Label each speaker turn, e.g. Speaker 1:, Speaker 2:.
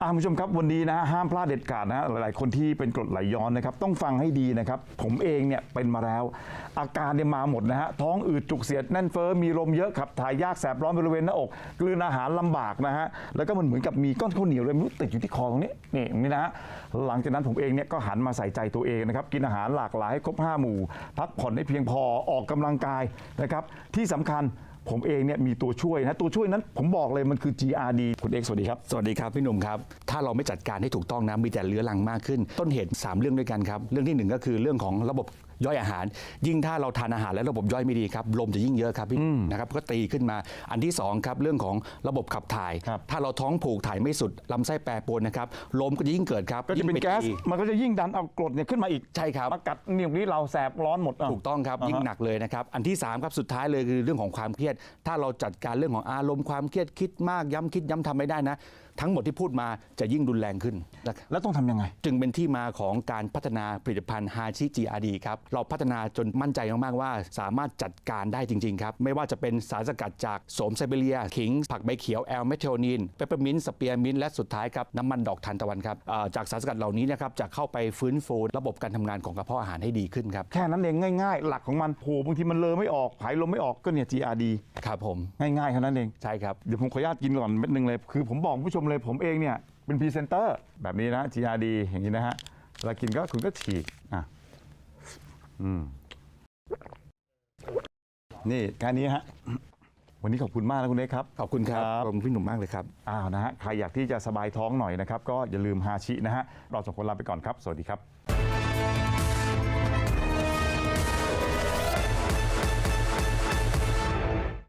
Speaker 1: คุณผู้ชมครับวันนี้นะฮะห้ามพลาดเด็ดขาดนะฮะหลายๆคนที่เป็นกรดไหลย้อนนะครับต้องฟังให้ดีนะครับผมเองเนี่ยเป็นมาแล้วอาการเนี่ยมาหมดนะฮะท้องอืดจุกเสียดแน่นเฟ้อมีลมเยอะขับถ่ายยากแสบร้อนบริเวณหน้าอกกลืนอาหารลำบากนะฮะแล้วก็มันเหมือนกับมีก้อนข้าวเหนียวเลยไม่รู้ติดอยู่ที่คอตรงนี้นี่ตรงนี้นะฮะหลังจากนั้นผมเองเนี่ยก็หันมาใส่ใจตัวเองนะครับกินอาหารหลากหลายให้ครบ5 หมู่พักผ่อนให้เพียงพอออกกำลังกายนะครับที่สำคัญผมเองเนี่ยมีตัวช่วยนะตัวช่วยนั้นผมบอกเลยมันคือ GRD คุณเอกสวัสดีครับ
Speaker 2: สวัสดีครับพี่หนุ่มครับถ้าเราไม่จัดการให้ถูกต้องนะมีแต่เรื้อรังมากขึ้นต้นเหตุ3เรื่องด้วยกันครับเรื่องที่1ก็คือเรื่องของระบบย่อยอาหารยิ่งถ้าเราทานอาหารและระบบย่อยไม่ดีครับลมจะยิ่งเยอะครับพี่นะครับก็ตีขึ้นมาอันที่2ครับเรื่องของระบบขับถ่ายถ้าเราท้องผูกถ่ายไม่สุดลำไส้แปรปรวนนะครับลมก็จะยิ่งเกิดครับ
Speaker 1: ก็จะเป็นแก๊สมันก็จะยิ่งดันเอากรดเนี่ยขึ้นมาอีก
Speaker 2: ใช่ครับ
Speaker 1: มากัดนิ้วนี้เราแสบร้อนหมด
Speaker 2: ถูกต้องครับยิ่งหนักเลยนะครับอันที่3ครับสุดท้ายเลยคือเรื่องของความเครียดถ้าเราจัดการเรื่องของอารมณ์ความเครียดคิดมากย้ำคิดย้ำทำไม่ได้นะทั้งหมดที่พูดมาจะยิ่งรุนแรงขึ้นนะครับ
Speaker 1: แล้วต้องทำยังไง
Speaker 2: จึงเป็นที่มาของการพัฒนาผลิตภัณฑ์ฮาชิ GRD ครับเราพัฒนาจนมั่นใจมากๆว่าสามารถจัดการได้จริงๆครับไม่ว่าจะเป็นสารสกัดจากโสมไซบีเรียขิงผักใบเขียวแอลเมทเทโอนินเปปเปอร์มินต์สเปียร์มินต์และสุดท้ายครับน้ำมันดอกทานตะวันครับจากสารสกัดเหล่านี้นะครับจะเข้าไปฟื้นฟูระบบการทำงานของกระเพาะอาหารให้ดีขึ้นครับ
Speaker 1: แค่นั้นเองง่ายๆหลักของมันโหบางทีมันเลอไม่ออกผายลมไม่ออกก็เนี่ย GRD
Speaker 2: ครับผม
Speaker 1: ง่ายๆแค่นั้นเอง
Speaker 2: ใช่ครับ
Speaker 1: เดี๋ยวผมขออนุญาตกินก่อนเม็ดนึงเลยคือผมบอกผู้ชมเลยผมเองเนี่ยเป็นพรีเซนเตอร์แบบนี้นะ GRD อย่างนี้นะฮะเวลากินก็คุณก็ฉีกนี่แค่นี้ฮะวันนี้ขอบคุณมากนะคุณเอกครับ
Speaker 2: ขอบคุณครับขอบคุณพี่หนุ่มมากเลยครับ
Speaker 1: นะฮะใครอยากที่จะสบายท้องหน่อยนะครับก็อย่าลืมฮาชินะฮะเรา2 คนลาไปก่อนครับสวัสดีครับ